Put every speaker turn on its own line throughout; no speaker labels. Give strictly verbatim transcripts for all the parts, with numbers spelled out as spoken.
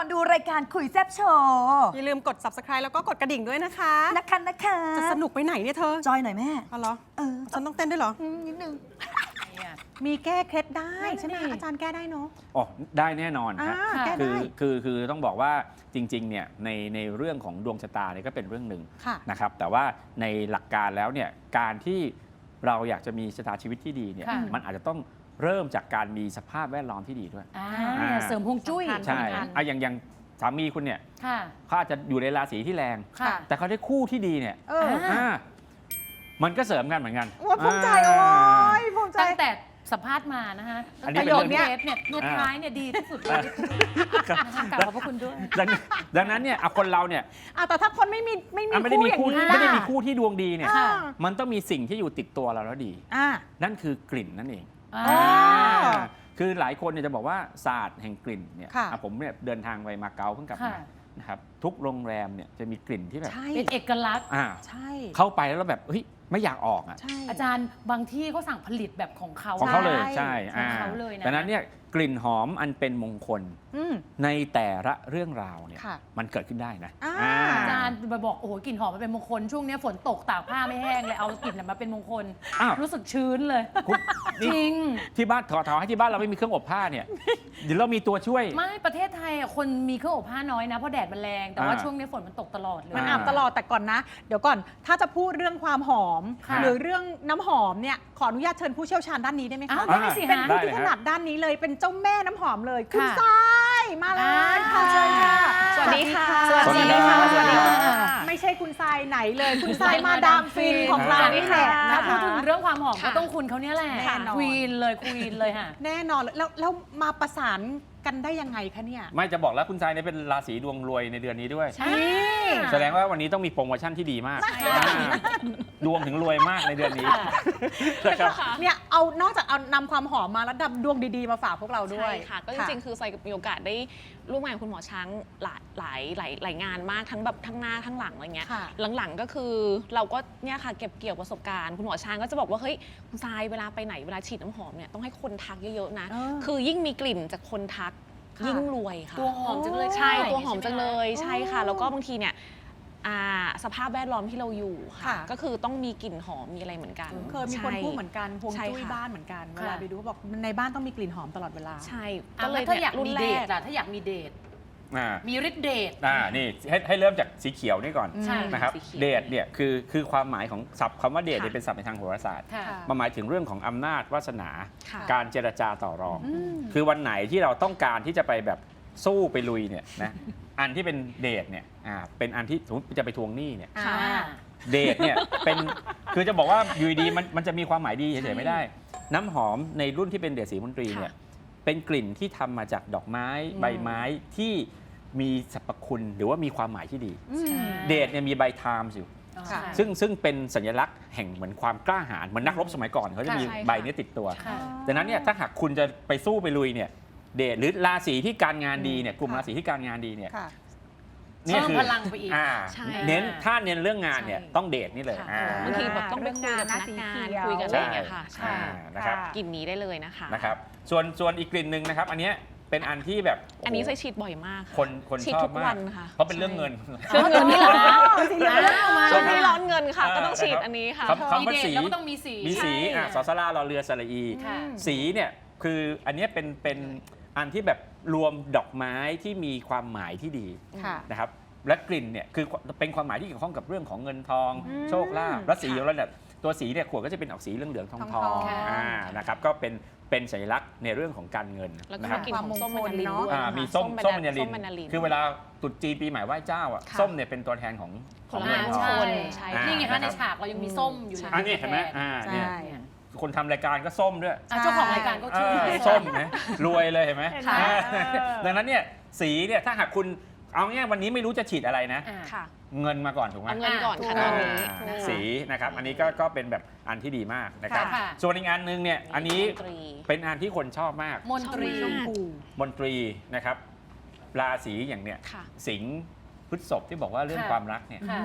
อนดูรายการคุยแซ่บโชว์
อย่าลืมกด ซับสไครบ์ แล้วก็กดกระดิ่งด้วยนะคะ
นะคะนะคะ
จะสนุกไปไหนเนี่ยเธอ
จอยหน่อยแม่
เอาเหรอ
เออ
ฉันต้องเต้นด้วยเหรอ
นิดนึง
มีแก้เคล็ดได้
นั่นน่ะ
ใช่ไหม
ดิ
อาจารย์แก้ได้เนาะ
อ๋อได้แน่นอน
อ่า
ฮะ
แก้
คื
ได้
อคือคือต้องบอกว่าจริงๆเนี่ยในในเรื่องของดวงชะตาเนี่ยก็เป็นเรื่องหนึ่ง
ค่ะ
นะครับแต่ว่าในหลักการแล้วเนี่ยการที่เราอยากจะมีชะตาชีวิตที่ดีเนี่ย
ค่ะ
มันอาจจะต้องเริ่มจากการมีสภาพแวดล้อมที่ดีด้วย
อ่า
อ่า
เสริมฮวงจุ้ย
สำคัญ
ใช่
สำคัญ
อ่ะอย่างอย่างสามีคุณเนี่ย
ค่ะ
เขาอาจจะอยู่ในราศีที่แรง
ค่ะ
แต่เขาได้คู่ที่ดีเนี่ย
เออ
อ่า
อ่ามันก็เสริมกันเหมือนกัน
โอ้ยภูมิใจโอ้ยภูมิใจ
ตั้งแต่สัมภาษณ์มานะคะ
อันนี้
ตั้ง
เป็น
แต่
เรื่อง
เทปเนี่ยเนี่ย
อ่า
ท้ายเนี่ยดีที่สุดเลยนะคะกราบขอบพระคุณด้วย
ดังดังนั้นเนี่ยอ่ะคนเราเนี่ย
อ่ะแต่ถ้าคนไม่มีไม่มี
อ่ะไม่ได้มี
คู่
คู่
อย่างนี้
ไม่ได้
ล่ะ
มีคู่ที่ดวงดีเนี่ย
อ่า
มันต้องมีสิ่งที่อยู่ติดตัวเราแล้วดี
อ่า
นั่นคือกลิ่นนั่นเอง
อ่า
อ๋อ
าคือหลายคนเนี่ยจะบอกว่าศาสตร์แห่งกลิ่นเนี่ย
ค่ะ
อ่ะผมเนี่ยเดินทางไปมาเก๊าเพิ่งกลับมา
ค่ะ
นะครับทุกโรงแรมเนี่ยจะมีกลิ่นที่แบบ
ใช่
เป็นเอกลักษณ์
อ่า
ใช่
เข้าไปแล้วเราแบบเฮ้ยไม่อยากออกอ่ะ
ใช่
อาจารย์บางที่เขาสั่งผลิตแบบของเขา
ของเขาเลย
ใช่
ใช่
ของเขาเลยนะ
ดังนั้นเนี่ยกลิ่นหอมอันเป็นมงคล
อืม
ในแต่ละเรื่องราวเนี่ย
ค่ะ
มันเกิดขึ้นได้นะ
อ่า
อ่า
อาจารย์ไปบอกโอ้โหกลิ่นหอมมันเป็นมงคลช่วงนี้ฝนตกตากผ้าไม่แห้งเลยเอากลิ่นน่ะมาเป็นมงคล
อ้าว
รู้สึกชื้นเลย
คุณ
จ
นี่
ริง
ที่บ้านขอถามให้ที่บ้านเราไม่มีเครื่องอบผ้าเนี่ยเดี๋ยวเรามีตัวช่วย
ไม่ประเทศไทยอ่ะคนมีเครื่องอบผ้าน้อยนะเพราะแดดมันแรง แต่ว่า
อ่า
ช่วงนี้ฝนมันตกตลอดเลย
มันอาบตลอดแต่ก่อนนะ เดี๋ยวก่อนถ้าจะพูดเรื่องความหอม
ค่ะ
หรือเรื่องน้ำหอมเนี่ยขออนุญาตเชิญผู้เชี่ยวชาญด้านนี้ได้ไหม
อ้า
คะ
วได้สิ
เป็น
ฮะ
ผู้
ได้เลย
ที่ถ
ฮะ
นัดด้านนี้เลยเป็นเจ้าแม่น้ำหอมเลยคุณ
ค่ะ
ทรายมาเลยค่ะ
อ่า
เชิญค่ะ
สวัสดีค่ะ
สวัสดีค่ะ
สวัสดีค่ะ
ไม่ใช่คุณทรายไหนเลย คุณทรายมาดามฟินของเรานี่แหละ
ถ้า
นะ
พูด
คะ
ถึงเรื่องความหอมก็
ค่ะ
ต้องคุณเขาเนี่ยแหละ
แน่นอน
ควีนเลยควีนเลยค่ะ
แน่นอนเลยแล้วแล้วมาประสานกันได้ยังไงคะเนี่ย
ไม่จะบอกแล้วคุณชายเนี่ยเป็นราศีดวงรวยในเดือนนี้ด้วย
ใช่
แสดงว่าวันนี้ต้องมีโปรโมชั่นที่ดีมากอ่าดวงถึงรวยมากในเดือนนี้นะครับ
เนี่ยเอานอกจากเอานำความหอมมาแล้วนำดวงดีๆมาฝากพวกเราด้วย
ใช่ค่ะ ก็จริงๆ คือซอยมีโอกาสได้ร่วมงานกับคุณหมอช้างหลายหลายหลายหลายงานมากทั้งแบบทั้งหน้าทั้งหลังอะไรเงี้ย
ค่ะ
หลังๆก็คือเราก็เนี่ยค่ะเก็บเกี่ยวประสบการณ์คุณหมอช้างก็จะบอกว่าเฮ้ยคุณทรายเวลาไปไหนเวลาฉีดน้ำหอมเนี่ยต้องให้คนทักเยอะๆนะ
เออ
คือยิ่งมีกลิ่นจากคนทัก
ค่ะ
ยิ่งรวยค่ะ
ตัวหอมจังเลย
ใช่
ค่ะ
ตัวหอมจังเลย
ใช่
ใช่
ไหมคะ
ค่ะ แล้วก็บางทีเนี่ยอ่าสภาพแวดล้อมที่เราอยู่ค่ะ
ค่ะ
ก็คือต้องมีกลิ่นหอมมีอะไรเหมือนกัน
เคยมีคนพูดเหมือนกันฮวง
ใช่
จุ้ย
ค่ะ
บ้านเหมือนกันเว
ค่ะ
ลาไปดูเขาบอกในบ้านต้องมีกลิ่นหอมตลอดเวลา
ใช่
ก็
ก็
เล
เลย ย
ถ้า
เนี่
อย ยาก
รุ่
มี
น
เด
แร
ท
ก
ล่ะถ้าอยากมีเดท
อ่า
มีฤทธิ์เดท
อ่านี่ให้ให้เริ่มจากสีเขียวนี่ก่อน
ใช่
นะครับ
สีเขียว
เดทเนี่ยคือคือความหมายของศัพท์คำว่าเดท
ค่ะ
เนี่ยเป็นศัพท์ในทางโหราศาสตร์
ค่ะ
ค่ะ
มันหมายถึงเรื่องของอำนาจวาสนา
ค่ะ
การเจรจาต่อรอง
อืม
คือวันไหนที่เราต้องการที่จะไปแบบสู้ไปลุยเนี่ยนะ อันที่เป็นเดทเนี่ยอ่าเป็นอันที่สมมติจะไปทวงหนี้เนี่ย
อ่า
ค่ะ
เดทเนี่ยเป็นคือจะบอกว่าอยู่ดีๆมันมันจะมีความหมายดีเฉยๆไม่ได้ น้ำหอมในรุ่นที่เป็นเดทสีมนตรีเนี่ย
ค่ะ
เป็นกลิ่นที่ทำมาจากดอกไม้ใบไม้ที่มีสรรพคุณหรือว่ามีความหมายที่ดี
อืม
เดทเนี่ยมีใบไทม์อยู่
ค่ะ
ซึ่งซึ่งเป็นสัญลักษณ์แห่งเหมือนความกล้าหาญเหมือนนักรบสมัยก่อนเขาจะมี
ใช่ค่ะ
ใบนี้ติดตัว
ค่ะ
ดังนั้นเนี่ยถ้าหากคุณจะไปสู้ไปลุยเนี่ยเดทหรือราศีที่การงานดีเนี่ยกลุ่ม
ค่ะ
ราศีที่การงานดีเนี่ย
ค่ะ
นี่
เพิ่ม
คือ
พลังไปอีก
อ่า
ใช่
เน้นถ้าเน้นเรื่องงานเนี่ย
ใช่
ต้องเดทนี่เลย
ค่ะ
อ่า
บางทีแบบต้องไปคุยกับพนักงานคุยกันอะไรอย่างเงี้ยค่ะ
ใช่นะครับ
กลิ่นนี้ได้เลยนะคะ
นะครับส่วนส่วนอีกกลิ่นหนึ่งนะครับ อันเนี้ยเป็นอันที่แบบ
อันนี้
โโห
ใช้ฉีดบ่อยมากะ
คนคน
ฉีด
ชอ
ทุ
บ
ก
มา
วั
ก
นค่ะ
เพราะเป็นเรื่องเงิน
เรื่องเงินนี่แหละ
ใช่
ช่วงนี้ร้อนเงินค่ะ ก็ต้องฉีด
นะครับ
อันนี้ค่ะ
คำคำว่า
มีเดท
สี
แล้วก็ต้องมีสี
มีสี
ใช่
อ่ะสอสลาเราเรือสระอี
ค่ะ
สีเนี่ยคืออันเนี้ยเป็นเป็นอันที่แบบรวมดอกไม้ที่มีความหมายที่ดี
ค่ะ
นะครับและกลิ่นเนี่ยคือเป็นความหมายที่เกี่ยวข้องกับเรื่องของเงินทอง
อืม
โชคลาภและสีของเราเนี่ยตัวสีเนี่ยขวดก็จะเป็นออกสีเหลืองๆทอง
ท
ท
อ
อง ง
ๆ
อ่านะครับก็เป็นเป็นสัญลักษณ์ในเรื่องของการเงิน
แล้วก็
นะครับ
กลิ่นของส้มแมนดารินด้วย
อ่า
นะคะ
มีส้มส้ม
แ
มันยาลิ
ส้มแมนดาริน
คือเวลาตรุษจีนปีใหม่ไหว้เจ้าอ่ะ
ค่ะ
ส้มเนี่ยเป็นตัวแทนของของ
ผล
เงิ
ไม้
น
ม
ท
ง
อง
คล
ใช่
ใช่
อ่า
นี่ไงคะในฉากเรายังมีส้มอยู่เลย
อันนี้เห็นไหมอ่าเนี่ย
ใช่
คนทำรายการก็ส้มด้วย
อ่ะเจ้าของรายการก็
เอ
ชื่อ
อส้มนะรวยเลยเห็นไหม
เห็นไหม
อ่า
เออ
ดังนั้นเนี่ยสีเนี่ยถ้าหากคุณเอาง่ายวันนี้ไม่รู้จะฉีดอะไรนะ
อ่า
ค่ะ
เงินมาก่อนถูกไหม
เอาเงินก่อนค่ะ
อ่า
ตอนนี้
อ่า
นะคะ
สีนะครับอันนี้ก็ก็เป็นแบบอันที่ดีมากนะครับ
ค่ะ
ส่วนอีกอันหนึงเนี่ยอันนี้
ดนตรี
เป็นอันที่คนชอบมาก
มนตรี
ชอบมาก
มนตรีนะครับราศีอย่างเนี่ย
ค่ะ
สิงห์พฤษภที่บอกว่าเรื่อง
ค่ะ
ความรักเนี่ย
ค่ะ
อืม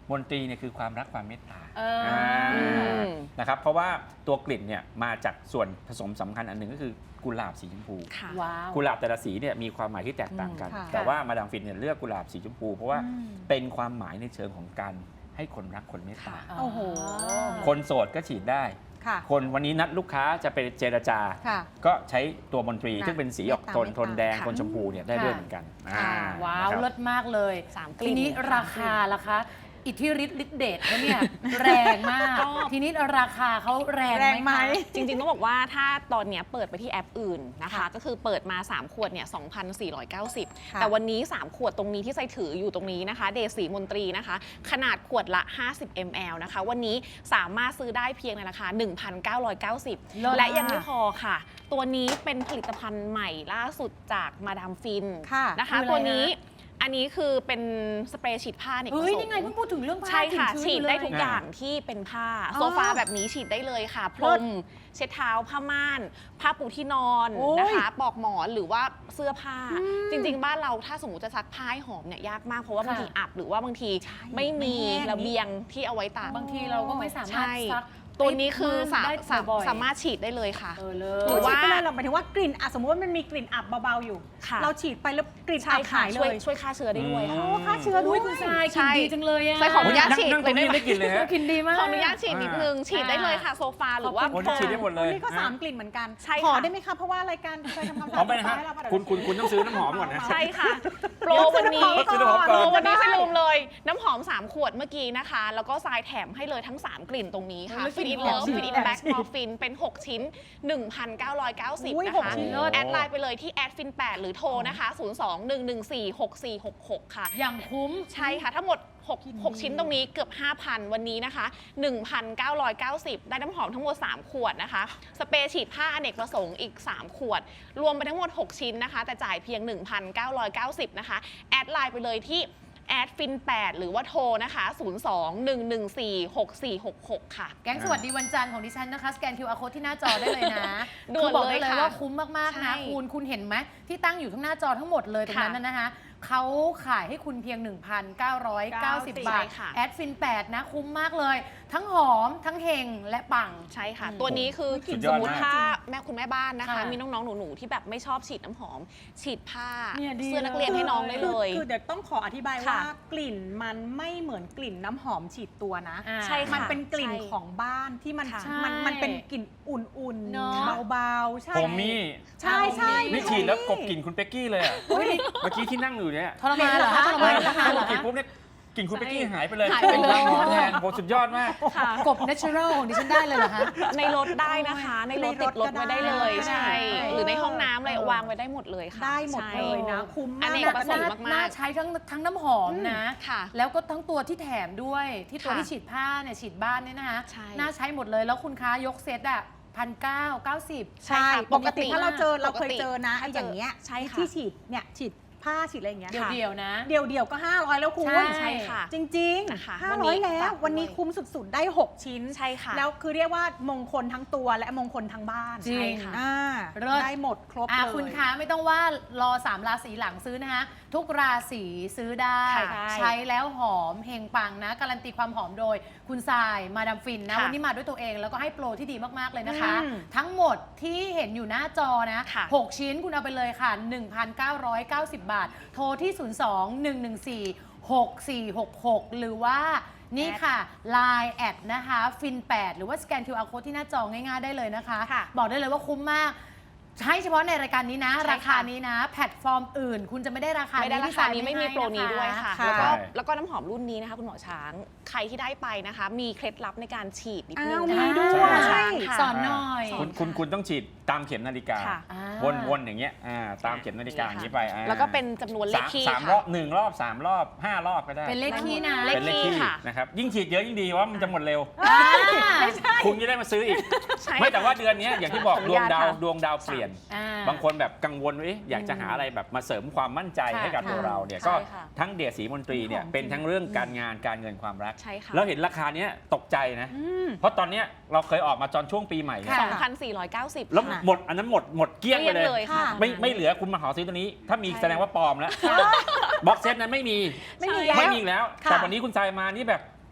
มนตรีเนี่ยคือความรักความเมตตา
เออ
ม
นะครับเพราะว่าตัวกลิ่นเนี่ยมาจากส่วนผสมสำคัญอันหนึ่งก็คือกุหลาบสีชมพู
ค่ะ
ว้าว
กุหลาบแต่ละสีเนี่ยมีความหมายที่แตกต่างกัน
อืมค่ะ
แต่ว่ามาดามฟินเนี่ยเลือกกุหลาบสีชมพูเพราะว่าเป็นความหมายในเชิงของการให้คนรักคนเมตตา
โอ้โห
คนโสดก็ฉีดได้
ค่ะ
คนวันนี้นัดลูกค้าจะไปเจรจา
ค่ะ
ก็ใช้ตัวมนตรี
ค่ะ
ซึ่งเป็นสีออกโทน
เมตตา
โทนแดง
ค่ะ
โทนชมพูเนี่ยได้ด้วยเหมือนกัน
ค่ะ
อ่
ว้าว
นะครับ
เลิศมากเลย
สามกลิ่น
ทีนี้
ค่ะ
ราคาล่ะคะ อิทธิฤทธิ์ฤทธิเดชเขาเนี่ย แรงมาก
ก็
ทีนี้ราคาเขาแรง
แรงไหม
ไหมคะ
จริงๆ ต้องบอกว่าถ้าตอนเนี้ยเปิดไปที่แอปอื่นนะคะ
ค่ะ
ก็คือเปิดมา สาม ขวดเนี่ย สองพันสี่ร้อยเก้าสิบ
ค่ะ
แต่วันนี้ สาม ขวดตรงนี้ที่ใส่ถืออยู่ตรงนี้นะคะ เดสีมนตรีนะคะ ขนาดขวดละ ห้าสิบมิลลิลิตร นะคะ วันนี้สามารถซื้อได้เพียงในราคา หนึ่งพันเก้าร้อยเก้าสิบ
เลิศ
และยังไม่พอค่ะ ตัวนี้เป็นผลิตภัณฑ์ใหม่ล่าสุดจากมาดามฟิน
ค่ะ
นะคะ
คืออะไรนะ
ตัวนี้อันนี้คือเป็นสเปรย์ฉีดผ้าเนี่ย
เฮ้ยนี่ไงเพิ่งพูดถึงเรื่องผ้า
ใช่ค่ะ
กลิ่น
ฉี
ชื้น
ด
อยู่
ได้
เลย
ทุกอย่างที่เป็นผ้า
อ๋อ
โซฟาแบบนี้ฉีดได้เลยค่ะพรมเช็ดเท้าผ้าม่าน ผ้าปูที่นอน
โอ้ย
นะคะปลอกหมอนหรือว่าเสื้อผ้า จริง ๆ บ้านเราถ้าสมมติจะซักผ้าให้หอมเนี่ยยากมากเพราะว่าบางทีอับหรือว่าบางทีไม่มีระเบียงที่เอาไว้ตาก
บางทีเราก็ไม่สามารถ
ใช่
ซัก
ตัวนี้คือสา
ได้
สา
บ่อยๆ
สามารถฉีดได้เลยค่ะ
เออเล
หรื
ย
อว่า
ฉีดไปเลยเราหมายถึงว่ากลิ่นอ่ะสมมติว่ามันมีกลิ่นอับเบาๆอยู่
ค่ะ
เราฉีดไปแล้วกลิ่น
ใช่
อับ
ค่ะ
หายเล
ช่วย
ย
ช่วยฆ่าเชื้อได้ด้วยค่ะ
โอ้ฆ่าเชื้อด้วย
คุณทรายก
ใช่
ลิ่นดีจังเลยอะ
ใส่ของ
โอ้ย
ญาติ
นั่ง
ฉีด
นั่งตรงนี้ไม่กินเลยฮะ
กลิ่นดีมาก
ขออนุญาตฉีดนิดนึง ฉีดได้เลยค่ะโซฟาหรือว่า
คนที่ฉีดได้หมดเลย
นี่ก็สามกลิ่นเหมือนกัน
ใช่ค่ะ
ขอได้ไหมคะเพราะว่ารายการเคยทำความสะ
พร้อ
อาม ด
ไปนะฮะ
ให้เราปะ
คุณคุณคุณต้องซื้อน้ำหอมก่อนนะ
ใช่ค่ะ โปรวันนี้
ซื้อน้ำหอมก่อน
โปรวันนี้ไม่ลืมเลย น้ำหอม สาม ขวดเมื่อกี้นะคะ แล้วก็ทรายแถมให้เลยทั้ง สาม กลิ่นตรงนี้ค่ะ
โอ้ย
ฟินอิน
กลิ่
เลิ
นหอ
ฟ
ม
ฟินอิน
แอบ
แบ็ก
ฉีด
มอร์ฟินเป็น หก ชิ้น หนึ่งพันเก้าร้อยเก้าสิบ
อุ้ย
นะ
หก
คะ
ชิ้น
แอดไลน์ไปเลยที่แอดฟินแปดหรือโทรนะคะ ศูนย์ สอง หนึ่ง หนึ่ง สี่ หก สี่ หก หก ค่ะ
อย่างคุ้ม
ใช่ค่ะ ทั้งหมด6 6 ชิ้นตรงนี้เกือบ ห้าพัน วันนี้นะคะ หนึ่งพันเก้าร้อยเก้าสิบ ได้น้ำหอมทั้งหมด สาม ขวดนะคะ สเปรย์ฉีดผ้าอเนกประสงค์อีก สาม ขวด รวมไปทั้งหมด หก ชิ้นนะคะ แต่จ่ายเพียง หนึ่งพันเก้าร้อยเก้าสิบ นะคะ แอดไลน์ไปเลยที่แอดฟินแปดหรือว่าโทรนะคะ ศูนย์ สอง หนึ่ง หนึ่ง สี่ หก สี่ หก หก ค่ะ
แก๊งสวัสดีวันจันทร์ของดิฉันนะคะ สแกน คิว อาร์ code ที่หน้าจอได้เลยนะ
ด่วน
คือบอกได้
เลย
เลย
ค่ะ
ว่าคุ้มมาก ๆ
ใช่
นะ คุณคุณเห็นไหมที่ตั้งอยู่ทั้งหน้าจอทั้งหมดเลยตรงนั้น
ค่ะ
นะนะคะเขาขายให้คุณเพียง หนึ่งพันเก้าร้อยเก้าสิบ บาท
ใช่ค่ะ
แอดฟินแปดนะ คุ้มมากเลย ทั้งหอมทั้งเฮงและปัง
ใช่ค่ะ
อืม
ตัวนี้คือ
สุดย
ส
อ
ม
ด
มติ
มาก
ถ้าแม่คุณแม่บ้านนะคะ
ค่ะ
มีน้องๆหนูๆที่แบบไม่ชอบฉีดน้ำหอม ฉีดผ้า
เนี่ยดี
เสื้อนักเรียนให้น้องได้เลย
คือคือเดี๋ยวต้องขออธิบาย
ค่ะ
ว่ากลิ่นมันไม่เหมือนกลิ่นน้ำหอมฉีดตัวนะ
อ่า
ใช่ค่ะ
มันเป็นกลิ่น
ใช่
ของบ้านที่มัน
ค่ะ
มันมันเป็นกลิ่นอุ่น
เนอะ
ๆเบาๆใช่
ผมมี่
ใช่ใช่
นี่ฉีดแล้วกบกลิ่นคุณเป๊กกี้เลยอะ
เฮ้ย
เมื่อกี้ที่นั่งอยู่เนี่ย
ทรมานเหรอคะทรมานเหรอคะ
กบกลิ่นปุ๊บเนี่ยกลิ่นคุณเป๊กกี้หายไปเลย
หายไปเลย
หอมแทนโหสุดยอดมาก
ค่ะ
กบ natural ของดิฉันได้เลยเหรอคะ
ในรถได้นะคะ ในรถติดรถไว้ได้เลย
ได้
ใช่ หรือในห้องน้ำอะไร
เออ
วางไว้ได้หมดเลยค่ะ
ได้หมด
ใช่
เลยนะ คุ้ม
อ
มาก
เนกประสงค์
น่
มากๆ
น่าใช้ทั้งทั้งน้ำหอมนะ
ค่ะ
แล้วก็ทั้งตัวที่แถมด้วยที่ตัว
ค่ะ
ที่ฉีดผ้าเนี่ยฉีดบ้านเนี่ยนะคะ
ใช่
น่าใช้หมดเลยแล้วคุณค้ายกเซตอ่ะพันเก้าเก้าสิบ
ใช่
ค่ะ
ปกติถ้าเราเจอ
ปกติ
เราเคยเจอนะไอ้อย่างเงี้ย
ใช่ค่ะ
ที่ฉีดเนี่ยฉีดผ้าฉีดอะไรอย่างเงี้ย
เดี่ยวๆนะ
เดียวเดียวๆก็ ห้าร้อยแล้วคุณ
ใช่
ใช่ค่ะ
จริง
นะคะ
ๆ ห้า
วัน
ร้อย
นี้
แล้ว
ฝากด้วย
วันนี้คุ้มสุดๆ ได้ หก ชิ้น
ใช่ค่ะ
แล้วคือเรียกว่ามงคลทั้งตัวและมงคลทั้งบ้าน
จริง
ใช่ค่ะ
อ่า
เลิศ
ได้หมดครบ
อ่ะ
เลย
คุณคะไม่ต้องว่ารอสามราศีหลังซื้อนะคะ ทุกราศีซื้อได้
ค่ะ
ใช้แล้วหอมเฮงปังนะ การันตีความหอมโดยคุณทรายมาดามฟินนะ
ค่ะ
วันนี้มาด้วยตัวเองแล้วก็ให้โปรที่ดีมาก ๆ เลยนะคะ
อืม
ทั้งหมดที่เห็นอยู่หน้าจอนะ
ค่ะ
หก ชิ้นคุณเอาไปเลยค่ะ หนึ่งพันเก้าร้อยเก้าสิบ บาท โทรที่ ศูนย์ สอง หนึ่ง หนึ่ง สี่ หก สี่ หก หก หรือว่านี่ค่ะ Line แอดนะคะฟินแปดหรือว่าสแกน คิว อาร์ code ที่หน้าจอง่าย ๆ ได้เลยนะคะ
ค่ะ
บอกได้เลยว่าคุ้มมาก ใช้เฉพาะในรายการนี้นะ
ใช่ค่ะ
ราคานี้นะ แพลตฟอร์มอื่น คุณจะไม่ได้ราคา
ไม่ได้ราคานี้
ที่
ไม่มีโปรนี้ด้วยค่ะ
ค่ะ
แล้วก็
ใช่
แล้วก็น้ำหอมรุ่นนี้นะคะคุณหมอช้าง ใครที่ได้ไปนะคะ มีเคล็ดลับในการฉีดนิดนึง
อ้าว
นะ
มี
คะ
ด้วย
คุณหมอช้างค่ะ
สอนหน่อย
คุณคุณคุณต้องฉีดตามเข็มนาฬิกา
ค่ะ
อ่า
วนๆอย่างเงี้ยอ่าตามเข็มนาฬิกาอย่างนี้ไปอ่า
แล้วก็เป็นจำนวนเลข
สาม
คี่
สามร
ค่ะ
อบหนึ่งรอบสามรอบห้ารอบก็ได้
เป็นเลขที่นะ
เลข
เป็นเลข
คี่
ที่
ค่ะ
นะครับยิ่งฉีดเยอะยิ่งดีเพราะว่ามันจะหมดเร็ว
อ่า
คุณจะได้มาซื้ออีก
ใช่
ไม่แต่ว่าเดือนเนี้ยอย่างที่บอก
ขออ
ด
นุ
วง
ญาต
ดาว
ค่ะ
ดวงดาวเปลี่ยน
อ่า
บางคนแบบกังวลว่าเอ๊ะอยากจะหาอะไรแบบมาเสริมความมั่นใจ
ค่ะ
ให้กับ
ค่ะ
ตัวเราเนี่ย
ใช่
ก็
ค่ะ
ทั้งเดียสีมนตรีเนี่ย
หอมจริง
เป็นทั้งเรื่องการงานการเงินความรัก
ใช่ค่ะ
แล้วเห็นราคาเนี้ยตกใจนะ
อืม
เพราะตอนเนี้ยเราเคยออกมาตอนช่วงปีใหม่เนี่ย
ค่ะ
สองพันสี่ร้อยเก้าสิบ
แล้ว
ค่ะ
หมดอันนั้นหมดหมดเกลี้ยงไป
เกลี้ยง
เลย
เลยค่ะ
ไม่ไม่เหลือคุณมาหาซื้อตัวนี้ ถ้ามี
ใช่
แสดงว่าปลอมแล้วบ็อกเซตนั้นไม่มี
ไม่มีแล้ว
ไม่มีอีกแล้ว
ค่ะ
แต่วันนี้คุณทรายมานี่แบบ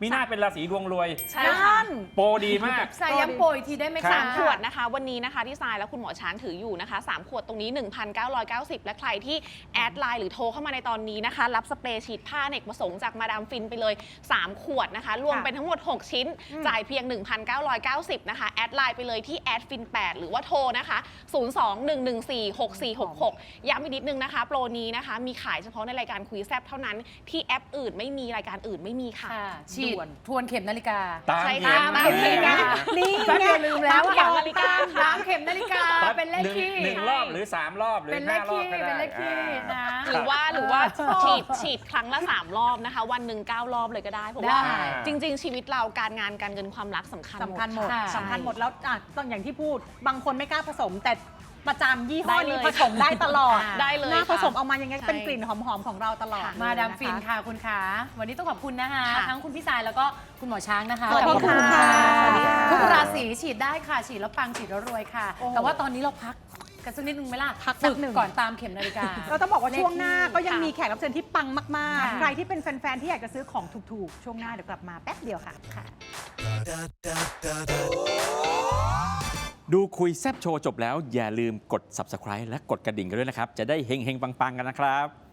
มีหน้าเป็นราศีดวงรวย
ใช่ค่ะ
โปรดีมาก
สายย้ำโปรอีกทีได้ไหม
ครั
คะ
บ
ขวดนะคะวันนี้นะคะที่ทรายและคุณหมอช้างถืออยู่นะคะสามขวดตรงนี้ หนึ่งพันเก้าร้อยเก้าสิบ และใครที่แอดไลน์หรือโทรเข้ามาในตอนนี้นะคะ รับสเปรย์ฉีดผ้าอเนกประสงค์จากมาดามฟินไปเลย สาม ขวดนะคะ รวมเป็นทั้งหมด หก ชิ้น จ่ายเพียง หนึ่งพันเก้าร้อยเก้าสิบ นะคะ แอดไลน์ไปเลยที่แอดฟินแปดหรือว่าโทรนะคะ ศูนย์ สอง หนึ่ง หนึ่ง สี่ หก สี่ หก หก ย้ำอีกนิดนึงนะคะ โปรนี้นะคะมีขายเฉพาะในรายการคุยแซบเท่านั้นที่แอปอื่นไม่มีรายการอื่นไม่มีค่ะ
ค่ะฉีดทวนเข็มนาฬิกา
ตาม
ใช่
เข็
ค่ะ
ม
ตามเข็ม
นะ
นี่
แป๊บ
ไง
เดียวลืมแล้ว
ตามเข็มนาฬิกา
ตามเข็มนาฬิกา
ปั๊บ
เป็นเลข
หนึ่ง
คี่
หนึ่งรอบหรือสามรอบหรือ
เป็นเล
ห้า
ข
รอบ
คี่
ก็ได้
เป็นเลขคี่นะ
หรือว่าหรือว่า
ชอบ
ฉีดฉีดครั้งละ สาม รอบนะคะ วันหนึ่งเก้ารอบเลยก็ได้เพราะว่า
ได้
จริง ๆ ชีวิตเราการงานการเงินความรักสำคัญ
สำคัญหมด
ค่ะ
สำคัญหมดแล้วอ่ะต้องอย่างที่พูด บางคนไม่กล้าผสม แต่ประจำยี่ห้อ
ได้
นี้
เลย
ผสมได้ตลอด
ได้เลย
หน้า
ค่ะ
ผสมออกมาอย่างเงี้ย
ใช่
เป็นกลิ่นหอมๆของเราตลอด
มาดาม
เลยะคะ
ฟินค่ะคุณขาวันนี้ต้องขอบคุณนะคะ
ค่ะ
ทั้งคุณพี่สายแล้วก็คุณหมอช้างนะคะ
ขอบคุณค่ะ
สวัสดีค่ะ
สวัสดีค่ะ
ทุกราศีฉีดได้ค่ะ ฉีดแล้วปังฉีดแล้วรวยค่ะ
โอ้
แต่ว่าตอนนี้เราพักกันสักนิดนึงไหมล่ะ
พักสักหนึ่ง
ฝึก่อนตามเข็มนาฬิกา
เราต้องบอกว่าช่วงหน้าก็ยัง
ค่ะ
มีแขกรับเชิญที่ปังมาก
ค่ะ
ๆ ใครที่เป็นแฟน ๆ ที่อยากจะซื้อของถูก ๆ ช่วงหน้าเดี๋ยวกลับมาแป๊บเดียวค่ะ
ดูคุยแซบโชว์จบแล้วอย่าลืมกด ซับสไครบ์ และกดกระดิ่งกันด้วยนะครับ จะได้เฮงๆ ปังๆ กันนะครับ